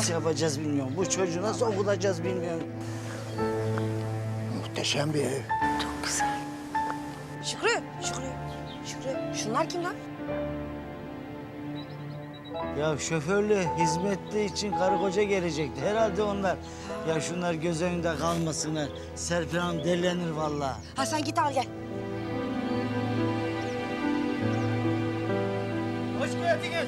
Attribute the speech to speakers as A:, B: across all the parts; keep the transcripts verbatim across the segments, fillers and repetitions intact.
A: nasıl yapacağız bilmiyorum. Bu çocuğu nasıl okutacağız bilmiyorum.
B: Muhteşem bir ev.
C: Çok güzel.
D: Şükrü, Şükrü, Şükrü. Şunlar kim lan?
A: Ya şoförlü, hizmetli için karı koca gelecekti. Herhalde onlar. Ya şunlar göz önünde kalmasınlar. Serpil Hanım delilenir vallahi.
D: Ha sen git al gel.
A: Hoş geldiniz.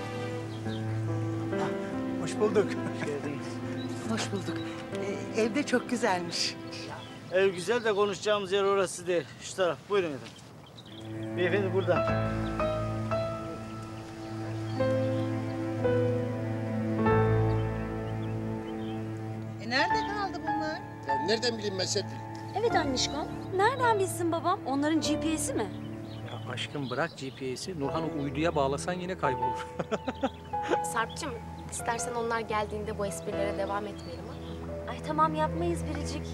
B: Hoş bulduk.
C: Hoş bulduk. Ee, evde çok güzelmiş.
A: Ev güzel de konuşacağımız yer orası değil. Şu taraf. Buyurun efendim. Beyefendi burada.
E: E nerede kaldı bunlar?
F: Ya nereden bileyim ben Serpil?
G: Evet annişkom. Nereden bilsin babam? Onların G P S'i mi?
H: Ya aşkım bırak G P S'i. Nurhan'ı uyduya bağlasan yine kaybolur.
I: Sarp'cığım, istersen onlar geldiğinde bu esprilere devam etmeyelim ha.
G: Ay tamam yapmayız Biricik.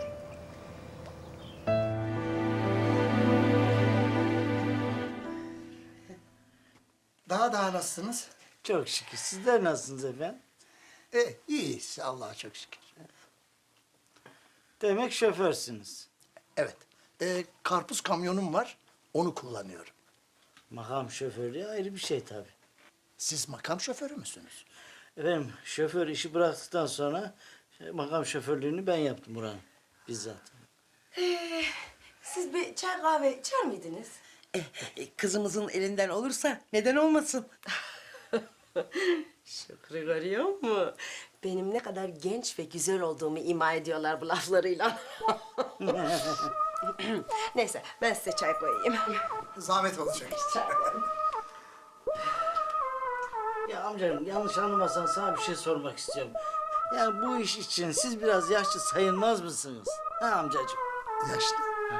B: Daha daha nasılsınız?
A: Çok şükür. Sizler nasılsınız efendim?
B: E, iyiyiz Allah'a çok şükür.
A: Demek şoförsünüz.
B: Evet. E, karpuz kamyonum var. Onu kullanıyorum.
A: Makam şoförlüğü ayrı bir şey tabii.
B: Siz makam şoförü müsünüz?
A: Efendim şoför işi bıraktıktan sonra şey, makam şoförlüğünü ben yaptım buranın bizzat.
D: Ee, siz bir çay kahve içer miydiniz?
C: Eh, eh, kızımızın elinden olursa neden olmasın?
D: Şükrü görüyor mu? Benim ne kadar genç ve güzel olduğumu ima ediyorlar bu laflarıyla. Neyse ben size çay koyayım.
B: Zahmet olacak.
A: Ya amcacığım yanlış anlamasan sana bir şey sormak istiyorum. Yani bu iş için siz biraz yaşlı sayılmaz mısınız? Ha amcacığım?
B: Yaşlı.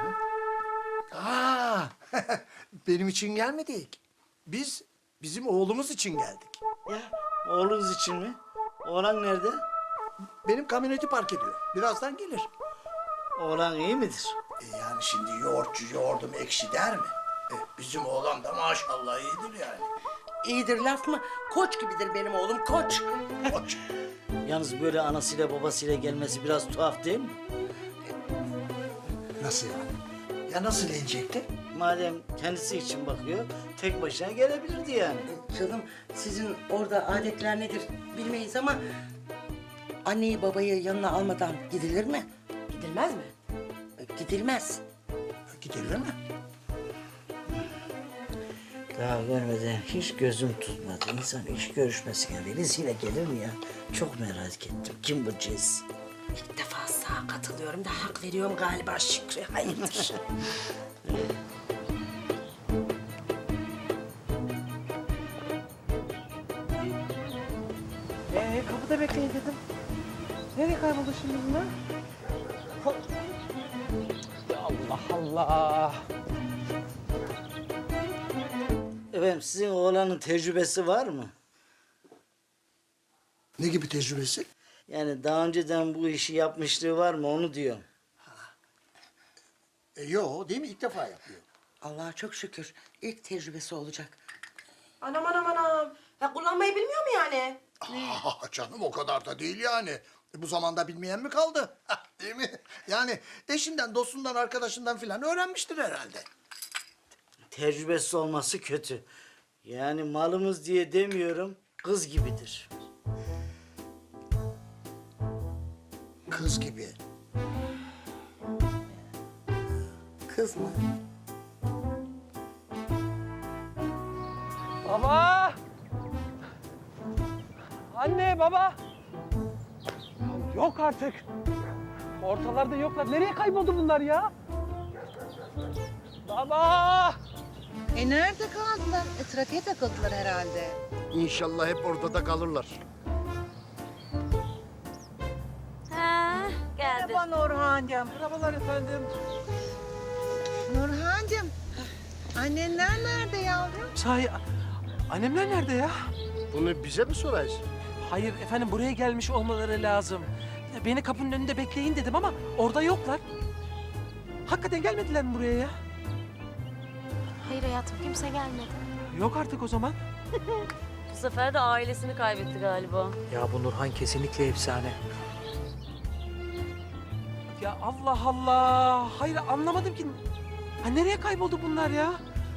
B: Aa, benim için gelmedik. Biz bizim oğlumuz için geldik.
A: Ya oğlunuz için mi? Oğlan nerede?
B: Benim kamyoneti park ediyor. Birazdan gelir.
A: Oğlan iyi midir?
B: E yani şimdi yoğurtçu yoğurdum ekşi der mi? E, bizim oğlan da maşallah iyidir yani.
C: İyidir laf mı? Koç gibidir benim oğlum, koç.
B: Koç.
A: Yalnız böyle anasıyla babasıyla gelmesi biraz tuhaf değil mi?
B: Nasıl yani? Ya nasıl gelecekti?
A: Madem kendisi için bakıyor, tek başına gelebilirdi yani.
C: Canım sizin orada adetler nedir bilmeyiz ama... ...anneyi babayı yanına almadan gidilir mi?
D: Gidilmez mi?
C: E, Gidilmez.
B: Gidilir mi?
A: Daha görmeden hiç gözüm tutmadı. İnsan iş görüşmesine birisiyle gelir mi ya? Çok merak ettim. Kim bu cins?
D: İlk defa sana katılıyorum da hak veriyorum galiba Şükrü. Hayırdır?
E: Ee kapıda bekleyin dedim. Nereye kayboldu şimdi bunlar?
H: Ya Allah Allah.
A: Efendim sizin oğlanın tecrübesi var mı?
B: Ne gibi tecrübesi?
A: Yani daha önceden bu işi yapmışlığı var mı onu diyorum.
B: E, yo değil mi? İlk defa yapıyor.
C: Allah'a çok şükür ilk tecrübesi olacak.
D: Anam anam anam. Ya kullanmayı bilmiyor mu yani?
B: Aa, canım o kadar da değil yani. E, bu zamanda bilmeyen mi kaldı? Değil mi? Yani eşinden, dostundan, arkadaşından filan öğrenmiştir herhalde.
A: Tecrübesiz olması kötü. Yani malımız diye demiyorum, kız gibidir.
B: Kız gibi.
C: Kız mı?
E: Baba! Anne, baba! Ya yok artık. Ortalarda yoklar. Nereye kayboldu bunlar ya? Baba!
J: E nerede kaldılar? E, trafiğe takıldılar herhalde.
F: İnşallah hep orada da kalırlar.
G: Ha, geldi.
E: Merhaba Nurhan'cığım. Merhabalar efendim.
J: Nurhancığım, annenler nerede yavrum?
E: Sahi, annemler nerede ya?
F: Bunu bize mi sorarsın?
E: Hayır efendim, buraya gelmiş olmaları lazım. Beni kapının önünde bekleyin dedim ama orada yoklar. Hakikaten gelmediler mi buraya ya?
I: Hayır hayatım, kimse gelmedi.
E: Yok artık o zaman.
G: Bu sefer de ailesini kaybetti galiba.
H: Ya bu Nurhan kesinlikle efsane.
E: Ya Allah Allah. Hayır anlamadım ki. Ha, nereye kayboldu bunlar ya?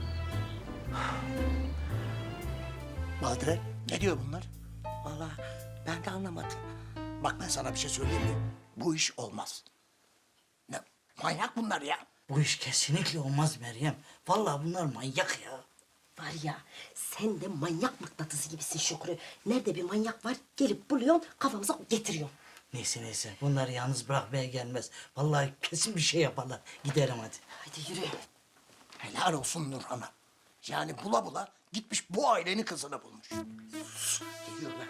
B: Badire, ne diyor bunlar?
C: Vallahi ben de anlamadım.
B: Bak ben sana bir şey söyleyeyim mi? Bu iş olmaz. Ne? Manyak bunlar ya.
A: Bu iş kesinlikle olmaz Meryem. Vallahi bunlar manyak ya.
D: Var ya, sen de manyak mıknatısı gibisin Şükrü. Nerede bir manyak var, gelip buluyorsun, kafamıza getiriyorsun.
A: Neyse neyse bunları yalnız bırakmaya gelmez. Vallahi kesin bir şey yaparlar. Gidelim hadi.
D: Hadi yürü.
B: Helal olsun Nurhan'a. Yani bula bula gitmiş bu ailenin kızını bulmuş.
C: Geliyorlar.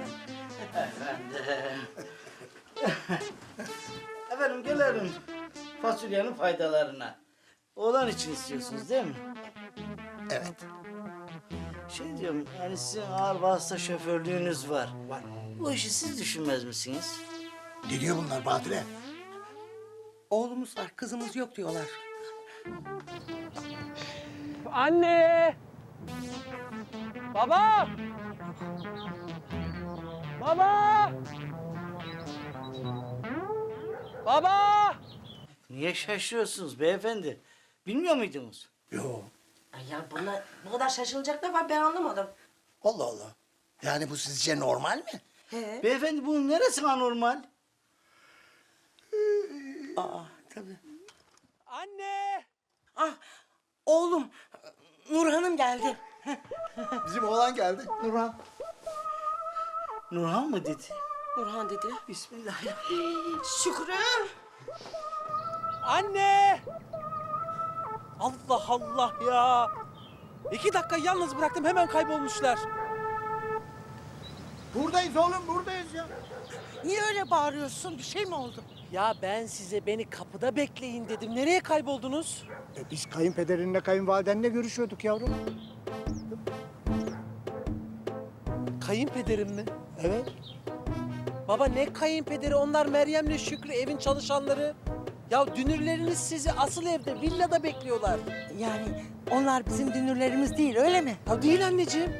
A: Efendim gelelim fasulyenin faydalarına. Oğlan için istiyorsunuz değil mi?
B: Evet.
A: Şey diyorum yani sizin ağır vasıta şoförlüğünüz var. Var. Bu işi siz düşünmez misiniz?
B: Ne diyor bunlar Badire?
C: Oğlumuz var, kızımız yok diyorlar.
E: Anne! Baba! Baba! Baba!
A: Niye şaşırıyorsunuz beyefendi? Bilmiyor muydunuz?
B: Yok.
D: Ay ya buna bu kadar şaşılacak ne var ben anlamadım.
B: Allah Allah. Yani bu sizce normal mi?
A: Beyefendi bunun neresi anormal?
C: Aa, tabii.
E: Anne!
C: Ah, oğlum, Nurhan'ım geldi.
B: Bizim oğlan geldi. Nurhan.
A: Nurhan mı dedi?
D: Nurhan dedi.
A: Bismillahirrahmanirrahim.
D: Şükrü!
E: Anne! Allah Allah ya! İki dakika yalnız bıraktım hemen kaybolmuşlar.
B: Buradayız oğlum buradayız ya.
C: Niye öyle bağırıyorsun? Bir şey mi oldu?
E: Ya ben size beni kapıda bekleyin dedim. Nereye kayboldunuz?
F: E biz kayınpederinle kayınvalidenle görüşüyorduk yavrum.
E: Kayınpederim mi?
F: Evet.
E: Baba ne kayınpederi? Onlar Meryem'le Şükrü evin çalışanları. Ya dünürleriniz sizi asıl evde villada bekliyorlar.
C: Yani onlar bizim dünürlerimiz değil, öyle mi?
E: Ya değil anneciğim.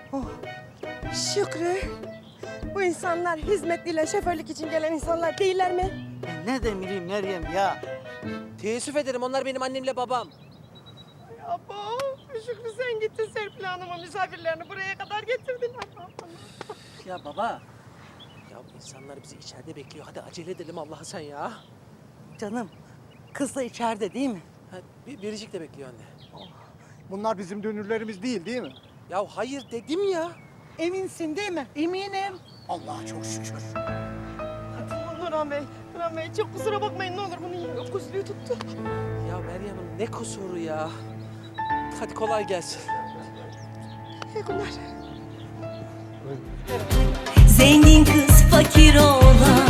D: Şükrü! Bu insanlar hizmetliyle şoförlük için gelen insanlar değiller mi?
A: Ben ne demeliyim Meryem ya?
E: Teessüf ederim onlar benim annemle babam.
D: Abo! Şükrü sen gittin Serpil Hanım'a misafirlerini buraya kadar getirdin.
E: Ya baba. Ya bu insanlar bizi içeride bekliyor. Hadi acele edelim Allah'a sen ya.
C: Canım, kız da içeride değil mi?
E: Ha, bir, biricik de bekliyor anne.
F: Bunlar bizim dönürlerimiz değil değil mi?
E: Ya hayır dedim ya.
C: Eminsin değil mi? Eminim.
B: Allah'a çok şükür.
D: Nurhan Bey, Nurhan Bey çok kusura bakmayın ne olur bunun öküzlüğü tuttu.
E: Ya Meryem Hanım ne kusuru ya. Hadi kolay gelsin.
D: İyi günler.
G: Zengin kız fakir oğlan